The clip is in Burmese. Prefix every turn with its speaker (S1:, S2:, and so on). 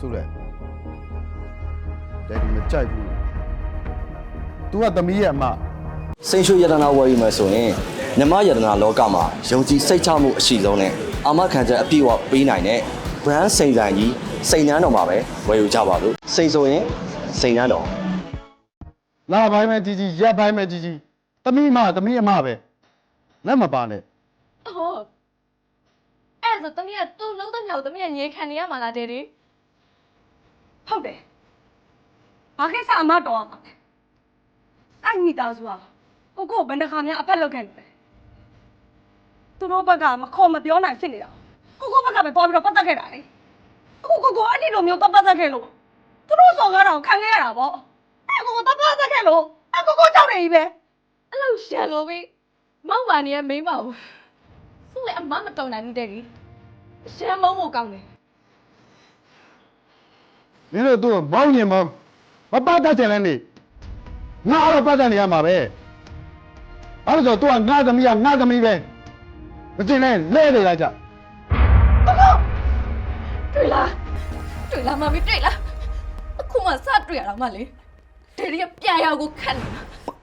S1: ဆိုလဲတဲ့ဒီမကြိုက်ဘူး तू ကသမီးရဲ့အမ
S2: စိန်ရွှေယတနာဝယ်ယူမယ်ဆိုရင်မြမယတနာလောကမှာယုံကြည်စိတ်ချမှုအရှိဆုံးနဲ့အာမခံချက်အပြည့်အဝပေးနိုင်တဲ့ brand စိန်ဆိုင်ကြီးစိန်နှန်းတော်မှာပဲဝယ်ယူကြပါလို့စိန်ဆိုရင်စိန်နှန်းတော်
S1: လာပိုင်းမဲ့ကြီးကြီးရက်ပိုင်းမဲ့ကြီးကြီးသမီးအမပဲလက်မပါနဲ့
S3: ဟုတ်အဲ့ဒါဆိုတမီးကသူ့လုံးတဲ့မြောက်တမီးကငြိမ်ခံနေရမှာလားတဲ့ဒီဟုတ်တယ်ဘာကိစ္စအမတော်အောင်အဲ့မိသားစုကကိုဘယ်နှခါများအဖက်လောက်ခဲ့နေလဲသူတို့ဘက်ကမခေါ်မပြောနိုင်ဖြစ်နေတာကိုဘက်ကပဲပေါ်ပြီးတော့ပတ်သက်ခဲ့တာလေကိုအဲ့ဒီလိုမျိုးပတ်သက်ခဲ့လို့သူတို့စော်ကားတာကိုခံခဲ့ရတာပေါ့အဲ့ကိုပတ်သက်ခဲ့လို့အဲ့ကိုကြောက်နေပြီပဲအဲ့လိုရှန်လို့ပဲမောက်ပါနေရမိမ့်ပါဘူးသူ့လည်းအမမတော်နိုင်တဲ့ကြီးရှမ်းမုံမို့ကောင်းတယ်
S1: မင်းတို့သူ့မောင်းညင်မပတ်တတ်ချင်လဲနေငါတော့ပတ်တတ်နေရမှာပဲအဲ့ဒါဆို तू ကငါသမီးပဲမတင်နဲ့လဲနေလိုက်ကြ
S3: တွေ့လားမမီတွေ့လားအခုမှစတွေ့ရတော့မှလေဒေဒီကပြန်ရောက်ကိုခတ်နေတာ